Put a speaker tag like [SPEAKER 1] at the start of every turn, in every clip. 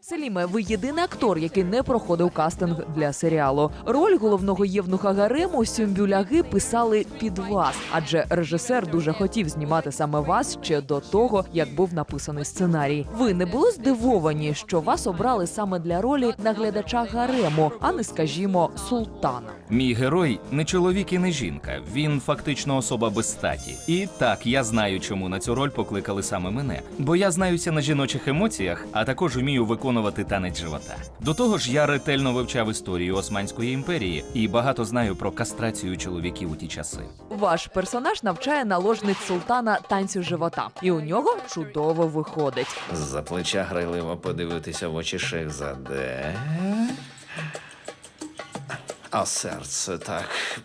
[SPEAKER 1] Селіме, ви єдиний актор, який не проходив кастинг для серіалу. Роль головного євнуха гарему Сюмбюляги писали під вас, адже режисер дуже хотів знімати саме вас ще до того, як був написаний сценарій. Ви не були здивовані, що вас обрали саме для ролі наглядача гарему, а не, скажімо, султана?
[SPEAKER 2] Мій герой не чоловік і не жінка. Він фактично особа без статі. І так, я знаю, чому на цю роль покликали саме мене. Бо я знаюся на жіночих емоціях, а також вмію виконувати танець живота. До того ж, я ретельно вивчав історію Османської імперії і багато знаю про кастрацію чоловіків у ті часи.
[SPEAKER 1] Ваш персонаж навчає наложниць султана танцю живота. І у нього чудово виходить.
[SPEAKER 3] З-за плеча грайливо подивитися в очі Шехзаде. А серце так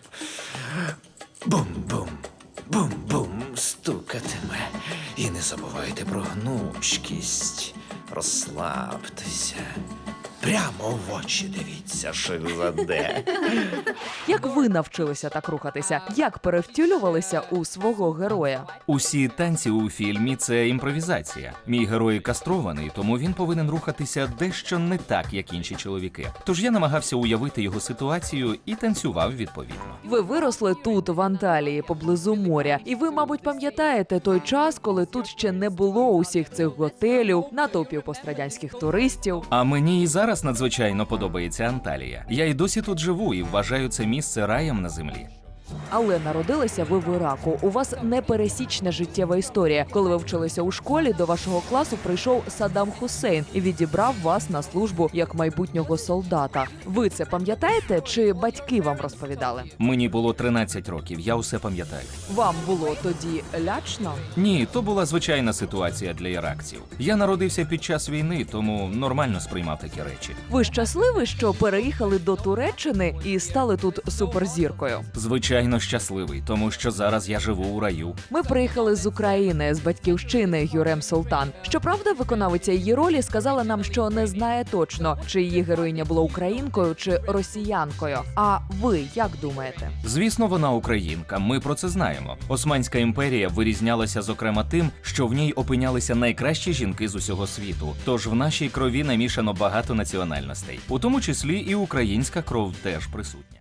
[SPEAKER 3] бум-бум, бум-бум стукатиме. І не забувайте про гнучкість. Розслабтеся. Прямо в очі дивіться, Шехзаде.
[SPEAKER 1] Як ви навчилися так рухатися? Як перевтілювалися у свого героя?
[SPEAKER 2] Усі танці у фільмі – це імпровізація. Мій герой кастрований, тому він повинен рухатися дещо не так, як інші чоловіки. Тож я намагався уявити його ситуацію і танцював відповідно.
[SPEAKER 1] Ви виросли тут, в Анталії, поблизу моря. І ви, мабуть, пам'ятаєте той час, коли тут ще не було усіх цих готелів, натовпів пострадянських туристів.
[SPEAKER 2] А мені і зараз надзвичайно подобається Анталія. Я й досі тут живу і вважаю це місце раєм на землі.
[SPEAKER 1] Але народилися ви в Іраку. У вас непересічна життєва історія. Коли ви вчилися у школі, до вашого класу прийшов Саддам Хусейн і відібрав вас на службу як майбутнього солдата. Ви це пам'ятаєте, чи батьки вам розповідали?
[SPEAKER 2] Мені було 13 років, я усе пам'ятаю.
[SPEAKER 1] Вам було тоді лячно?
[SPEAKER 2] Ні, то була звичайна ситуація для іракців. Я народився під час війни, тому нормально сприймав такі речі.
[SPEAKER 1] Ви щасливі, що переїхали до Туреччини і стали тут суперзіркою?
[SPEAKER 2] Звичайно, щасливий, тому що зараз я живу у раю.
[SPEAKER 1] Ми приїхали з України, з батьківщини Гюрем Султан. Щоправда, виконавиця її ролі сказала нам, що не знає точно, чи її героїня була українкою чи росіянкою. А ви як думаєте?
[SPEAKER 2] Звісно, вона українка, ми про це знаємо. Османська імперія вирізнялася зокрема тим, що в ній опинялися найкращі жінки з усього світу. Тож в нашій крові намішано багато національностей. У тому числі і українська кров теж присутня.